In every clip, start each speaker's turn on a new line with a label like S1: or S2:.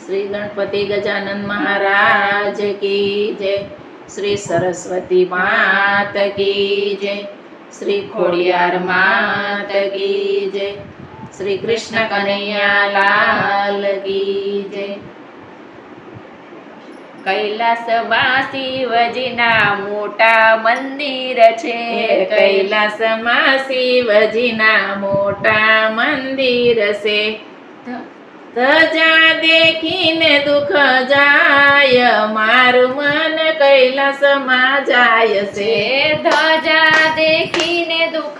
S1: श्री गणपति गजानन महाराज की जय। श्री सरस्वती मात की जय। श्री खोड़ियार मात की जय। श्री कृष्ण कन्हैया लाल की जय। कैलासમાં શિવજીના મોટા મંદિર છે। કૈલાસમાં શિવજીના મોટા મંદિર છે। ધજા દેખીને દુઃખ જાય, મારું મન કૈલાસમાં જાય છે। ધજા દેખીને દુઃખ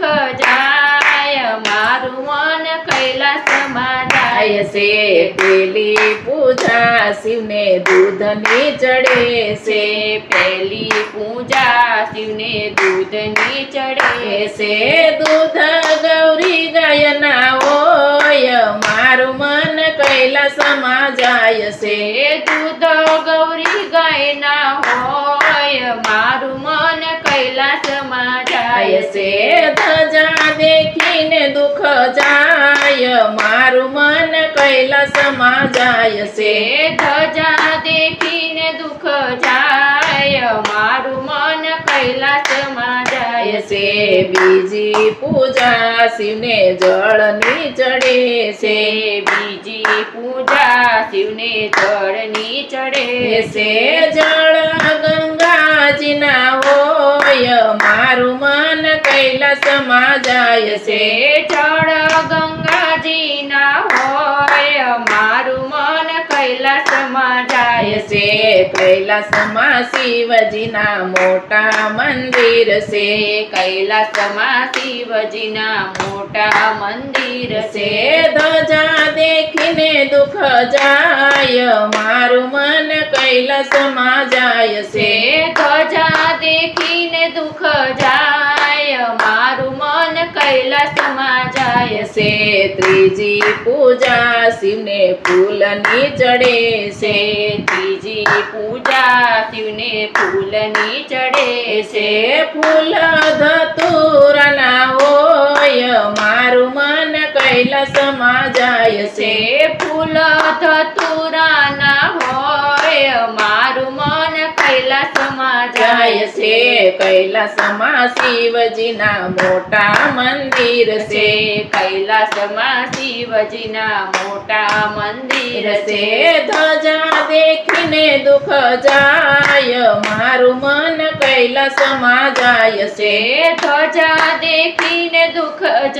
S1: જાય, મારું મન કૈલાસમાં જાય છે। પેલી પૂજા શિવને દૂધની ચડે છે। પેલી પૂજા શિવને દૂધની ચડે છે। દૂધ ગૌરી ગાયના હોય, મારું મન કૈલાસમાં જાય છે। દૂધ ગૌરી ગાયના હોય, મારું મન કૈલાસમાં જાય છે। ધજા દેખીને દુઃખ જાય, મારું મન કૈલાસમાં જાય છે। ધજા દેખીને દુઃખ જાય, મારું મન કૈલાસમાં જાય છે। બીજી પૂજા શિવને જળની ચડે છે। બીજી પૂજા શિવને જળની ચડે છે। જળ ગંગાજીના હોય, મારું મન કૈલાસમાં જાય છે। જળ ગંગાજીના હોય, મારું મન કૈલાસમાં જાય છે। કૈલાસમાં શિવજીના મોટા મંદિર છે। કૈલાસમાં શિવજીના મોટા મંદિર છે। ધજા દેખીને દુઃખ જાય, મારું મન કૈલાસમાં જાય છે। ધજા દેખીને દુઃખ જાય, મારું મન કૈલાસમાં જાય છે। ત્રીજી પૂજા શિવને ફૂલની ચડે છે। ત્રીજી પૂજા શિવને ફૂલની ચડે છે। ફૂલ ધતુરાના હોય, મારું મન કૈલાસમાં જાય છે। ફૂલ ધતુરાના હોય, મારું મન કૈલાસમાં જાય છે। કૈલાસમાં શિવજીના મોટા મંદિર છે। કૈલાસમાં શિવજીના મોટા મંદિર છે। ધજા દેખીને દુઃખ જાય, મારું મન કૈલાસમાં જાય છે। ધજા દેખીને દુઃખ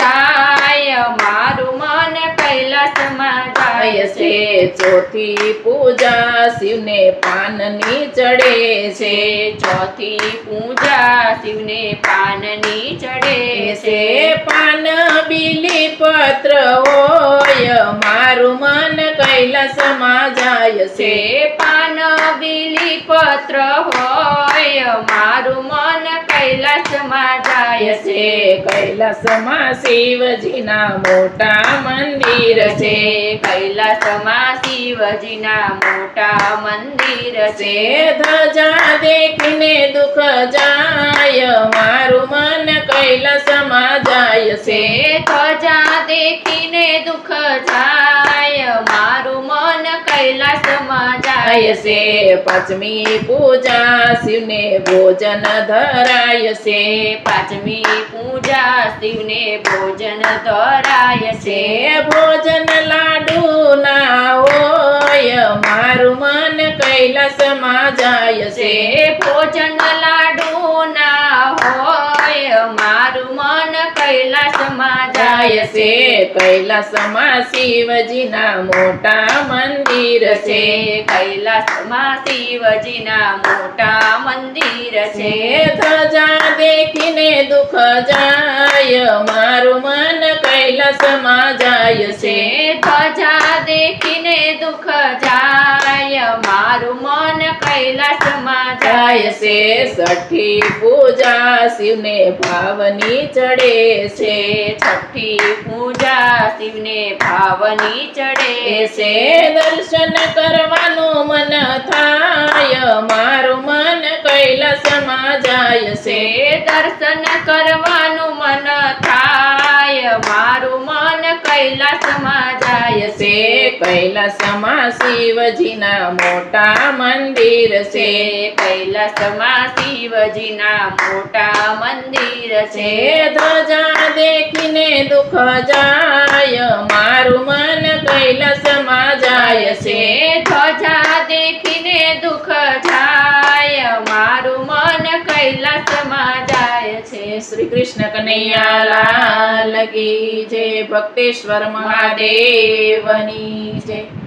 S1: જાય, મારું મન કૈલાસમાં જાય છે। ચોથી પૂજા શિવને પાનની ચડે છે। ચોથી પૂજા શિવને પાનની ચડે છે। પાન બીલી પત્ર હોય, મારું મન કૈલાસમાં જાય છે। પાન બીલી પત્ર હોય, મારું મન કૈલાસમાં જાય છે। કૈલાસમાં શિવજીના મોટા મંદિર છે। કૈલાસમાં શિવજીના મોટા મંદિર છે। ધજા દેખીને દુઃખ જાય, મારું મન કૈલાસમાં જાય છે। ધજા દેખીને દુઃખ જાય, મારું મન કૈલાસમાં જાય છે। પાંચમી પૂજા શિવને ભોજન ધરાય છે। પાંચમી પૂજા શિવને ભોજન ધરાય છે। ભોજન લાડુ ના હોય, મારું મન કૈલાસમાં જાય છે। ભોજન લાડુ ના હોય, મારું મન કૈલાસમાં જાય છે। કૈલાસમાં શિવજીના મોટા મંદિર છે। કૈલાસમાં શિવજીના મોટા મંદિર છે। ધજા દેખીને દુઃખ જાય, મારું મન કૈલાસમાં જાય છે। ધજા દેખીને દુઃખ જાય, મારું મન કૈલાસમાં જાય છે। છઠ્ઠી પૂજા શિવને ભાવની ચડે છે। છઠ્ઠી પૂજા શિવને ભાવની ચડે છે। દર્શન કરવાનું મન થાય, મારું મન કૈલાસમાં જાય છે। દર્શન કરવાનું મન થાય, મારું મન કૈલાસમાં જાય છે.
S2: કૈલાસમાં શિવજીના મોટા મંદિર છે.
S1: કૈલાસમાં શિવજીના મોટા મંદિર છે.
S2: ધ્વજા દેખીને દુઃખ જાય, મારું મન કૈલાસમાં જાય છે.
S1: ધ્વજા દેખીને દુઃખ જાય, મારું મન કૈલાસમાં જાય છે.
S2: શ્રી કૃષ્ણ કનૈયા લાલ કી જય. ભક્તેશ્વર મહાદેવની જય.